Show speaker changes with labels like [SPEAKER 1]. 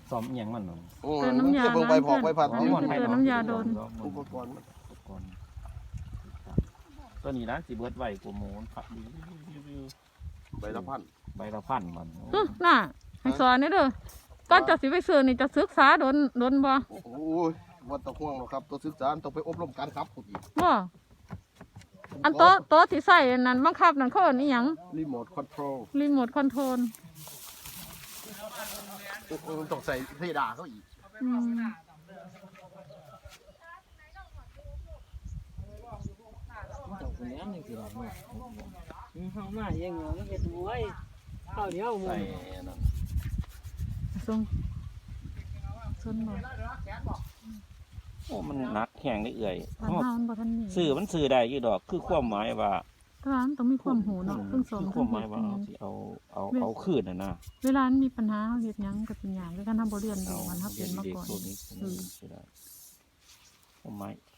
[SPEAKER 1] ซ้อมเอียงมันเนาะ
[SPEAKER 2] เติมน้ำยาเพิ่งไปพอกไปผัด
[SPEAKER 1] อ๋อ
[SPEAKER 2] นี่
[SPEAKER 1] หมดไผ
[SPEAKER 2] เติม
[SPEAKER 1] เนาะ
[SPEAKER 2] น้ำยาโดน
[SPEAKER 1] อุปกรณ์ตัวนี้นะสิเบิดไว้กว่าหมูผักดี
[SPEAKER 2] ใบละพัน
[SPEAKER 1] ใบละพันมัน
[SPEAKER 3] น่ะให้สอนนี่เด้อก่อนจะสิไปซื้อนี่จะศึกษาโดนบ่
[SPEAKER 2] โอ้ยวัดตะห่วงหรอกครับตัวศึกษาต้องไปอบรมการขับขุดอีก
[SPEAKER 3] บ่อันโต๊ะที่ใส่นั่นบังคับนั่นเขาเอิ้นอีหยัง
[SPEAKER 2] รีโมทคอนโทรล
[SPEAKER 3] รีโมทคอนโทรล
[SPEAKER 2] ต้องใส่เพดานเขาอีก
[SPEAKER 3] อืม
[SPEAKER 4] มันต้องเป็นอย่างนี้สิล่ะเนาะเฮามาเองเนาะมันเฮ็ดไว้ข้าวเดียวหมื้
[SPEAKER 1] ใส่
[SPEAKER 4] อ
[SPEAKER 1] นั่น
[SPEAKER 3] ส่งส่วนบ่
[SPEAKER 1] โอ้มันหนักแข็งได้เอื่อย
[SPEAKER 3] บ้านเฮามันบ่ทันมี
[SPEAKER 1] ซื้อมันซื้อได้อยู่ดอกคือความหมายว่า
[SPEAKER 3] แต่ว่ามันต้องมีความหูเนาะเพิ่งสอน
[SPEAKER 1] คือค
[SPEAKER 3] เพิ่
[SPEAKER 1] วาง มห
[SPEAKER 3] เฮ็
[SPEAKER 1] มาย
[SPEAKER 3] ด
[SPEAKER 1] ว่า
[SPEAKER 3] เพิ่งห
[SPEAKER 1] เอา
[SPEAKER 3] ยัง
[SPEAKER 1] สิเอาคืนนะ
[SPEAKER 3] เวลามันมีปัญหาเฮ็ดหยังก็เป็นหยังด้วยกันทำบ่เรียน
[SPEAKER 1] เอา
[SPEAKER 3] มันเฮาเป็นมา
[SPEAKER 1] เด็ก
[SPEAKER 3] ก่อน
[SPEAKER 1] ๆพวกนี้สิได้ความหมาย